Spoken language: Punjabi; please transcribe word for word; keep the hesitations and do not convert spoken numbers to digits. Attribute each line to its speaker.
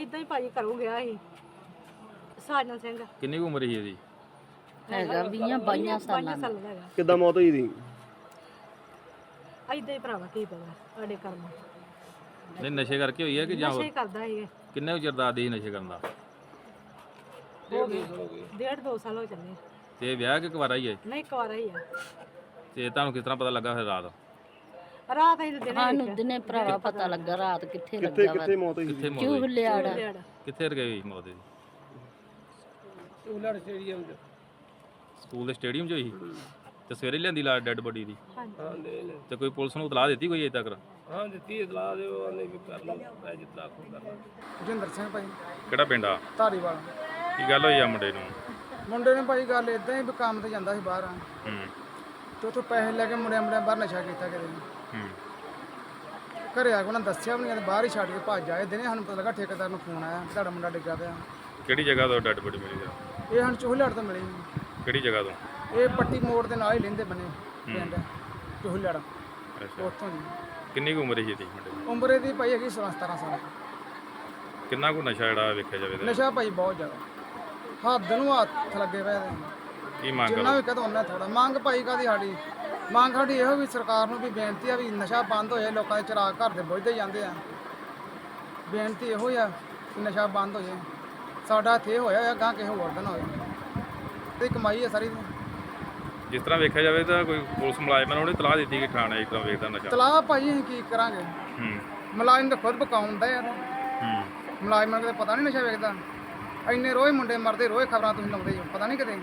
Speaker 1: ਇਦਾਂ ਹੀ ਭਾਜੀ ਘਰੋਂ ਗਿਆ ਸੀ ਸਾਜਨ ਸਿੰਘ।
Speaker 2: ਕਿੰਨੀ ਕੁ ਉਮਰ ਸੀ ਇਹਦੀ?
Speaker 3: ਹੈਗਾ ਵੀਹਾਂ ਬਾਈਆਂ ਸਾਲਾਂ ਦਾ।
Speaker 1: ਸਾਲਾਂ ਦਾ ਹੈਗਾ।
Speaker 4: ਕਿੱਦਾਂ ਮੌਤ ਹੋਈ ਦੀ?
Speaker 1: ਇਦਾਂ ਹੀ ਭਰਾਵਾ ਕੀ ਪਤਾ ਸਾਡੇ ਕਰਮ।
Speaker 2: ਨਹੀਂ ਨਸ਼ੇ ਕਰਕੇ ਹੋਈ ਹੈ ਕਿ ਜਾਂ
Speaker 1: ਨਸ਼ੇ ਕਰਦਾ ਸੀ।
Speaker 2: ਕਿੰਨੇ ਕੁ ਚਿਰ ਦਾ ਆਦੀ ਸੀ ਨਸ਼ੇ ਕਰਨ ਦਾ?
Speaker 1: ਹੋ ਗਏ ਡੇਢ ਦੋ ਸਾਲ ਹੋ ਚੱਲੇ।
Speaker 2: ਤੇ ਵਿਆਹ ਕਿ ਕੁਵਾਰਾ ਹੀ ਹੈ?
Speaker 1: ਨਹੀਂ ਕੁਆਰਾ ਹੀ ਆ।
Speaker 2: ਤੇ ਤੁਹਾਨੂੰ ਕਿਸ ਤਰ੍ਹਾਂ ਪਤਾ ਲੱਗਾ ਫਿਰ ਰਾਤ?
Speaker 1: ਰਾਤ ਅਸੀਂ ਦਿਨੇ
Speaker 3: ਸਾਨੂੰ ਦਿਨੇ ਭਰਾਵਾ ਪਤਾ ਲੱਗਾ ਰਾਤ ਕਿੱਥੇ
Speaker 4: ਕਿੱਥੇ
Speaker 3: ਲੱਗਾ
Speaker 4: ਕਿੱਥੇ ਮੌਤ ਹੋਈ
Speaker 2: ਕਿੱਥੇ
Speaker 4: ਸੀ?
Speaker 2: ਮੌਤ ਹੋਈ?
Speaker 3: ਚੂਹਲਿਆੜਾ।
Speaker 2: ਕਿੱਥੇ ਰਗੇ ਹੋਈ ਮੌਤ ਦੀ?
Speaker 5: ਚੂਹਲੜ ਸਟੇਡੀਅਮ 'ਚ।
Speaker 2: ਸਕੂਲ ਦੇ ਸਟੇਡੀਅਮ 'ਚ ਹੋਈ? ਤੇ ਸਵੇਰੇ ਲਿਆਂਦੀ ਲਾ ਡੈੱਡ ਬੋਡੀ ਦੀ?
Speaker 5: ਹਾਂ ਲੈ ਲੈ
Speaker 2: ਤੇ ਕੋਈ ਪੁਲਿਸ ਨੂੰ ਇਤਲਾਹ ਦਿੱਤੀ ਕੋਈ ਅਜੇ ਤੱਕ?
Speaker 5: ਹਾਂ ਦਿੱਤੀ ਇਤਲਾਹ ਦੇ ਉਹ ਆਂਦੇ ਵੀ ਕਰ ਲਓ ਮੈਂ ਜਿੱਤਲਾ ਕੋ ਕਰਨਾ।
Speaker 6: ਜਿੰਦਰ ਸਿੰਘ ਭਾਈ
Speaker 2: ਕਿਹੜਾ ਪਿੰਡ ਆ?
Speaker 6: ਧਾਰੀਵਾਲ।
Speaker 2: ਕੀ ਗੱਲ ਹੋਈ ਆ ਮੁੰਡੇ ਨੂੰ?
Speaker 6: ਮੁੰਡੇ ਨੇ ਭਾਈ ਗੱਲ ਇਦਾਂ ਹੀ ਵੀ ਕੰਮ ਤੇ ਜਾਂਦਾ ਸੀ ਬਾਹਰ
Speaker 2: ਹੂੰ
Speaker 6: ਤੇ ਉੱਥੋਂ ਪੈਸੇ ਲੈ ਕੇ ਮੁੰਡਿਆਂ ਮੁੰਡਿਆਂ ਬਾਹਰ ਨਸ਼ਾ ਕੀਤਾ ਕਿਤੇ।
Speaker 2: ਹੂੰ
Speaker 6: ਘਰੇ ਆ ਕੇ ਉਹਨਾਂ ਦੱਸਿਆ ਵੀ ਨਹੀਂ ਤੇ ਬਾਹਰ ਹੀ ਛੱਡ ਕੇ ਭੱਜ ਆਏ। ਦਿਨੇ ਸਾਨੂੰ ਪਤਾ ਲੱਗਾ ਠੇਕੇਦਾਰ ਨੂੰ ਫੋਨ ਆਇਆ ਕਿ ਤੁਹਾਡਾ ਮੁੰਡਾ ਡਿੱਗਾ ਪਿਆ।
Speaker 2: ਕਿਹੜੀ ਜਗ੍ਹਾ ਤੋਂ ਡੈੱਡ ਬੋਡੀ ਮਿਲੀ ਤੇਰਾ?
Speaker 6: ਇਹ ਸਾਨੂੰ ਚੂਹਲੜ ਤੋਂ ਮਿਲੀ।
Speaker 2: ਕਿਹੜੀ ਜਗ੍ਹਾ ਤੋਂ?
Speaker 6: ਇਹ ਪੱਟੀ ਮੋੜ ਦੇ ਨਾਲ ਹੀ ਲੈਂਦੇ ਬਣੇ ਪਿੰਡ ਚੂਹਲੜ
Speaker 2: ਅੱਛਾ
Speaker 6: ਉੱਥੋਂ ਜੀ।
Speaker 2: ਕਿੰਨੀ ਕੁ ਉਮਰ ਸੀ ਇਹਦੀ ਮੁੰਡੇ ਦੀ?
Speaker 6: ਉਮਰ ਇਹਦੀ ਭਾਈ ਹੈਗੀ ਸੋਲਾਂ ਸਤਾਰਾਂ ਸਾਲ।
Speaker 2: ਕਿੰਨਾ ਕੁ ਨਸ਼ਾ ਜਿਹੜਾ ਵੇਖਿਆ ਜਾਵੇ ਤਾਂ?
Speaker 6: ਨਸ਼ਾ ਭਾਈ ਬਹੁਤ ਜ਼ਿਆਦਾ ਹੱਦ ਨੂੰ ਹੱਥ ਲੱਗੇ ਪਏ ਇਹਦੇ।
Speaker 2: ਕੀ ਮੰਗ
Speaker 6: ਜਿੰਨਾ
Speaker 2: ਕਰੋ?
Speaker 6: ਵੀ ਕਹਦਾ ਉਹਨਾਂ ਥੋੜਾ ਮੰਗ ਭਾਈ ਕਾਦੀ ਸਾਡੀ ਮੰਗ ਸਾਡੀ ਇਹੋ ਵੀ ਸਰਕਾਰ ਨੂੰ ਵੀ ਬੇਨਤੀ ਆ ਵੀ ਨਸ਼ਾ ਬੰਦ ਹੋ ਜਾਏ। ਲੋਕਾਂ ਦੇ ਚਿਰਾਗ ਘਰ ਦੇ ਬੁੱਝਦੇ ਜਾਂਦੇ ਆ। ਬੇਨਤੀ ਇਹੋ ਹੀ ਆ ਕਿ ਨਸ਼ਾ ਬੰਦ ਹੋ ਜਾਏ। ਸਾਡਾ ਇੱਥੇ ਹੋਇਆ ਆ ਗਾਂ ਕਿਸੇ ਹੋਰ ਦਿਨ ਹੋਏ ਤੇ ਕਮਾਈ ਆ ਸਾਰੀ।
Speaker 2: ਜਿਸ ਤਰ੍ਹਾਂ ਵੇਖਿਆ ਜਾਵੇ ਤਾਂ ਕੋਈ ਪੁਲਿਸ ਮੁਲਾਜ਼ਮਾਂ ਨੂੰ ਉਹਨੇ ਇਤਲਾਹ ਦਿੱਤੀ ਕਿ ਥਾਣੇ ਇਸ ਤਰ੍ਹਾਂ ਵੇਖਦਾ ਨਸ਼ਾ?
Speaker 6: ਤਲਾਹ ਭਾਈ ਅਸੀਂ ਕੀ ਕਰਾਂਗੇ?
Speaker 2: ਹੂੰ
Speaker 6: ਮੁਲਾਜ਼ਮ ਤਾਂ ਖੁਦ ਪਕਾਉਂਦਾ ਯਾਰ।
Speaker 2: ਹੂੰ
Speaker 6: ਮੁਲਾਜ਼ਮਾਂ ਨੂੰ ਤਾਂ ਪਤਾ ਨਹੀਂ ਨਸ਼ਾ ਵੇਚਦਾ। ਇੰਨੇ ਰੋਜ਼ ਮੁੰਡੇ ਮਰਦੇ ਰੋਜ਼ ਖਬਰਾਂ ਤੁਸੀਂ ਲਾਉਂਦੇ ਹੋ ਪਤਾ ਨਹੀਂ ਕਿਤੇ।